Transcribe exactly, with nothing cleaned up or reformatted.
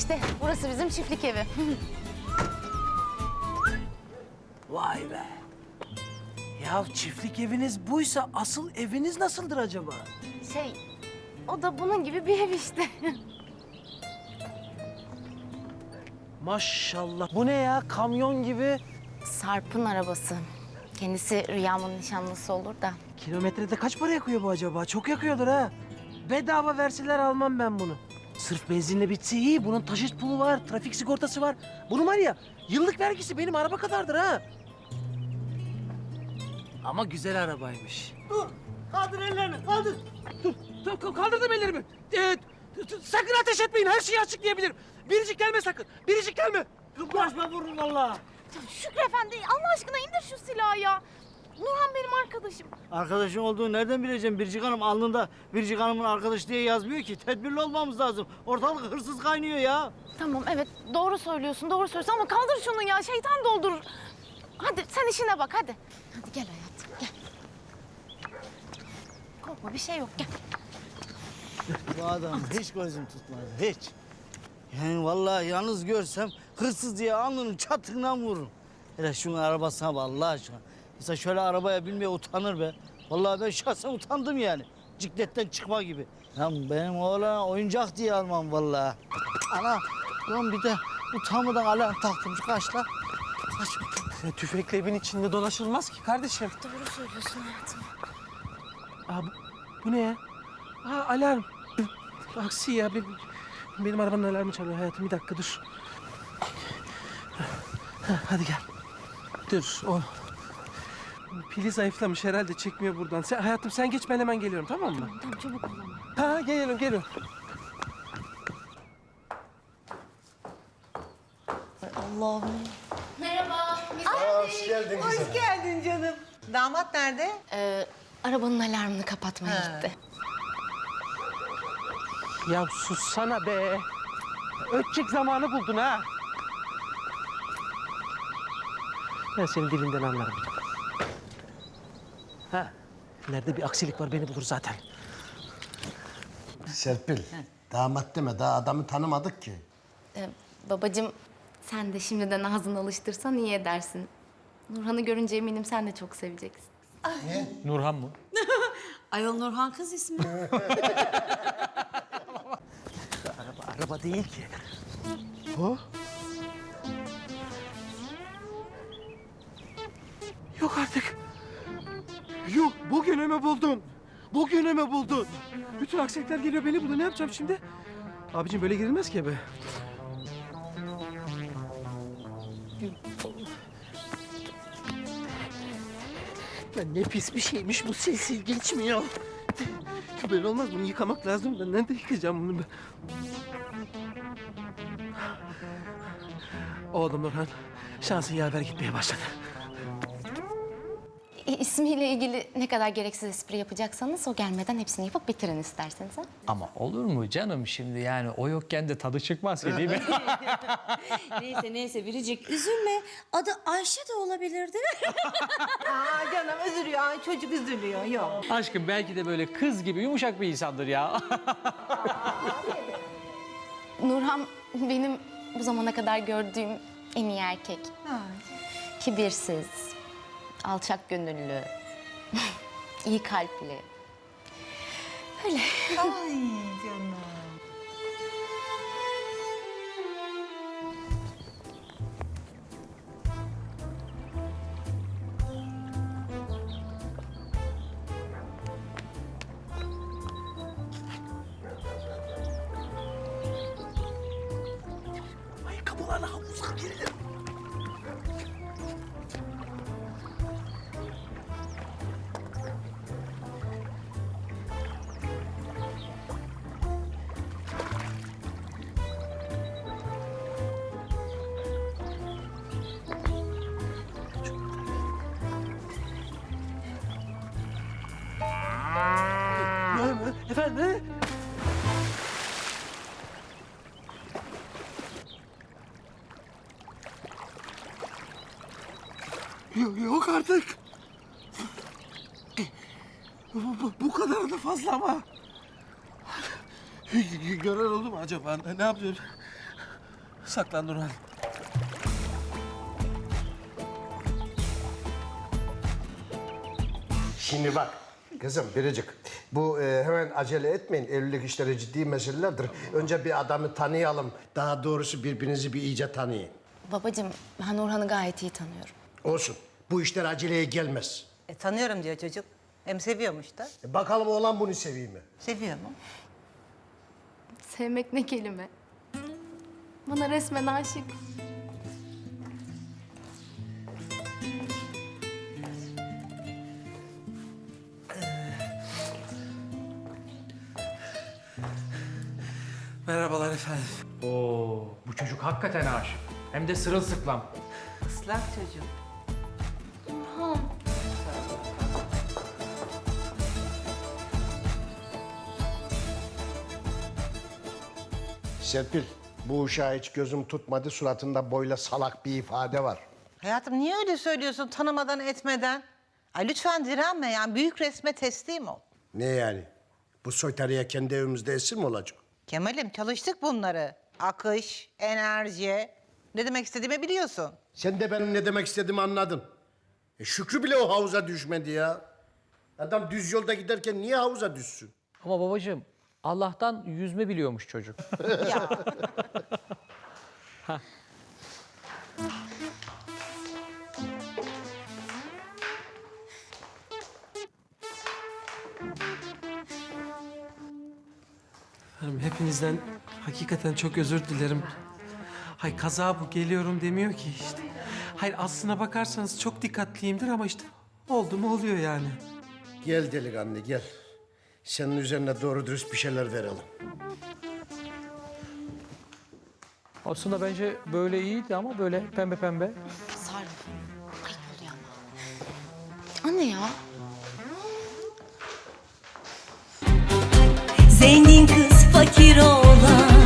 İşte burası bizim çiftlik evi. Vay be. Ya çiftlik eviniz buysa asıl eviniz nasıldır acaba? Şey, o da bunun gibi bir ev işte. Maşallah. Bu ne ya? Kamyon gibi. Sarp'ın arabası. Kendisi Rüyam'ın nişanlısı olur da. Kilometrede kaç para yakıyor bu acaba? Çok yakıyordur ha. Bedava verseler almam ben bunu. Sırf benzinle bitse iyi. Bunun taşıt pulu var, trafik sigortası var. Bunun var ya, yıllık vergisi benim araba kadardır ha. Ama güzel arabaymış. Dur, kaldır ellerini, kaldır. Dur, dur kaldırdım ellerimi. Ee, sakın ateş etmeyin, her şeyi açıklayabilirim. Biricik gelme sakın, biricik gelme. Bulaşma vururum vallahi. Şükrü Efendi, Allah aşkına indir şu silahı ya. Nurhan benim arkadaşım. Arkadaşın olduğunu nereden bileceğim Biricik Hanım? Alnında Biricik Hanım'ın arkadaşı diye yazmıyor ki. Tedbirli olmamız lazım. Ortalık hırsız kaynıyor ya. Tamam, evet doğru söylüyorsun, doğru söylüyorsun ama kaldır şunu ya, şeytan doldurur. Hadi sen işine bak, hadi. Hadi gel hayatım, gel. Korkma, bir şey yok, gel. Bu adam hiç gözüm tutmadı, hiç. Yani vallahi yalnız görsem hırsız diye alnının çatığından vururum. Hele şunun arabasına bak Allah aşkına. İnsan şöyle arabaya binmeye utanır be. Vallahi ben şahsen utandım yani. Cikletten çıkma gibi. Lan benim oğlana oyuncak diye almam vallahi. Ana, lan bir de utanmadan alarm taktım. Kaç lan? Kaç. Ya, tüfekle evin içinde dolaşılmaz ki kardeşim. Doğru söylüyorsun hayatım. Aa, bu, bu ne ya? Aa, alarm. Aksi ya. Benim, benim arabanın alarmı çalıyor hayatım. Bir dakika dur. Ha, hadi gel. Dur. O pili zayıflamış herhalde. Çekmiyor buradan. Sen, hayatım sen geç ben hemen geliyorum tamam mı? Tamam, çabuk ol ama. Ha geliyorum geliyorum. Allah'ım. Merhaba. Hoş geldin kızım. Hoş geldin canım. Damat nerede? Ee, arabanın alarmını kapatmaya Ha. gitti. Ya sussana be. Ötecek zamanı buldun ha. Ben senin dilinden anlarım. Ha. Nerede bir aksilik var beni bulur zaten. Serpil, damat deme. Daha adamı tanımadık ki. Ee, babacığım, sen de şimdiden ağzını alıştırsan iyi edersin. Nurhan'ı görünce eminim sen de çok seveceksin. Nurhan mı? Ayol Nurhan kız ismi. Araba, araba değil ki. O? Yok artık. Yok, bugünümü buldun. Bugünümü buldun. Bütün aksilikler geliyor beni buluyor. Ne yapacağım şimdi? Abicim böyle girilmez ki eve. Lan ne pis bir şeymiş bu, sil sil geçmiyor. Böyle olmaz, bunu yıkamak lazım. Ben nerede yıkayacağım bunu ben? Oğlum Nurhan, şansın yaver gitmeye başladı. İ- İsmiyle ilgili ne kadar gereksiz espri yapacaksanız o gelmeden hepsini yapıp bitirin isterseniz ha. Ama olur mu canım şimdi yani o yokken de tadı çıkmaz ki değil mi? Neyse neyse Biricik üzülme. Adı Ayşe de olabilirdi. Aa canım üzülüyor. Ay, çocuk üzülüyor. Yok. Aşkım belki de böyle kız gibi yumuşak bir insandır ya. Nurhan benim bu zamana kadar gördüğüm en iyi erkek. Kibirsiz, alçak gönüllü, iyi kalpli. Öyle. Ay canım. Ayakkabılarla havuza girilir. Efendim? Yok, yok artık. Bu, bu, bu kadar da fazla ama. Gören oldu mu acaba? Ne, ne yapıyor? Saklan Nurhan. Şimdi bak kızım Biricik. Bu e, hemen acele etmeyin. Evlilik işleri ciddi meselelerdir. Önce bir adamı tanıyalım. Daha doğrusu birbirinizi bir iyice tanıyın. Babacığım ben Orhan'ı gayet iyi tanıyorum. Olsun. Bu işler aceleye gelmez. E, tanıyorum diyor çocuk. Hem seviyormuş da. E, bakalım oğlan bunu seviyor mu? Seviyor mu? Sevmek ne kelime? Bana resmen aşık. Merhabalar efendim. Oo, bu çocuk hakikaten aşık. Hem de sırılsıklam. Islak çocuk. Serpil, bu uşağı hiç gözüm tutmadı. Suratında böyle salak bir ifade var. Hayatım niye öyle söylüyorsun tanımadan etmeden? Ay lütfen direnme yani büyük resme teslim ol. Ne yani? Bu soytarıya kendi evimizde esir mi olacak? Kemal'im çalıştık bunları. Akış, enerji. Ne demek istediğimi biliyorsun. Sen de benim ne demek istediğimi anladın. E, Şükrü bile o havuza düşmedi ya. Adam düz yolda giderken niye havuza düşsün? Ama babacığım Allah'tan yüzme biliyormuş çocuk. Ya. Hanım hepinizden hakikaten çok özür dilerim. Hay kaza bu geliyorum demiyor ki işte. Hayır aslına bakarsanız çok dikkatliyimdir ama işte oldu mu oluyor yani. Gel delikanlı gel. Senin üzerine doğru dürüst bir şeyler verelim. Aslında bence böyle iyiydi ama böyle pembe pembe. Sarp. Ayıp oluyor ama. Anne ya. Zengin kız fakir oğlan